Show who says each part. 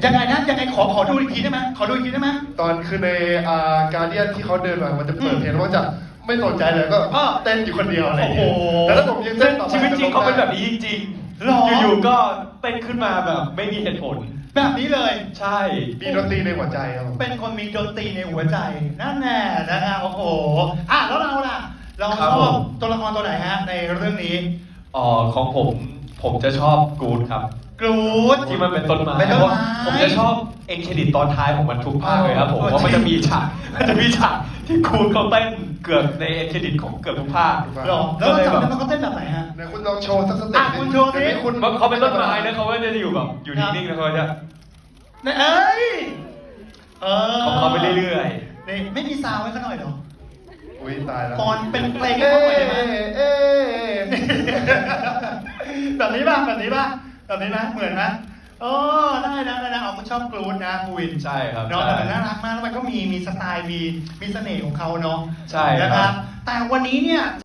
Speaker 1: ยังไงนะยังไงขอดูอีกทีได้ไหมขอดูอีกทีได้ไหม
Speaker 2: ตอนคือในการเดียนที่เขาเดินมามันจะเปิดเพลงแล้วก็จะไม่สนใจเลยก็เต้นอยู่คนเดียวอะไรอย่างเงี้ยแต่ถ้าผมยังเต้นต่อไป
Speaker 3: ชีวิตจริงเขาเป็นแบบนี้จริง
Speaker 1: หรอ
Speaker 3: ๆ อยู่ๆก็เต้นขึ้นมาแบบไม่มีเหตุผล
Speaker 1: แบบนี้เลย
Speaker 3: ใช่
Speaker 2: มีดนตรีในหัวใจครับผม
Speaker 1: เป็นคนมีดนตรีในหัวใจนั่นแน่นะฮะโอ้โหแล้วเราล่ะเราชอบตัวละครตัวไหนฮะในเรื่องนี้
Speaker 3: ของผมจะชอบกูดครับ
Speaker 1: กรูด
Speaker 3: ที่มันเป็นต้นไม้
Speaker 1: เป็นต้นไม้
Speaker 3: เพราะว่าผมจะชอบเอ็นเครดิตตอนท้ายของมันทุกภาคเลยครับผมเพราะมันจะมีฉากที่กูดเขาเต้นเกือบในเอ็นเครดิตของเกือบทุกภาค
Speaker 1: หรอแล้วเราจำได้ไหมเขาเต้นแบบไหนฮะ
Speaker 2: เนี่ยคุณลองโชว์สักสเต็ป
Speaker 1: คุณโชว์สิ
Speaker 2: คุณ
Speaker 3: เขาเป็นต้นไม้นะเขาไม่ได้อยู่แบบอยู่นิ่งๆนะเขาจะ
Speaker 1: เอ้ย
Speaker 3: ของเขาไปเรื่อย
Speaker 1: นี่ไม่มีซาวด์ไว้เขาหน่อยเหรอ
Speaker 2: อุ้ยตายแล้ว
Speaker 1: ก่อนเป็นเพลงให้เขาหน่อยได้ไหม
Speaker 2: เอ๊ะ
Speaker 1: แบบนี้ป่ะแบบนี้ป่ะแบบนี้นะเหมือนนะได้นะเอาคุณชอบกรูดนะภูวิน
Speaker 3: ๆใช่ครับ
Speaker 1: เนาะ
Speaker 3: ใช่
Speaker 1: แต่มันน่ารักมากแล้วมันก็มีสไตล์มีเสน่ห์ของเขาเนาะ
Speaker 3: ใช่ครับ
Speaker 1: นะครับแต่วันนี้เนี่ย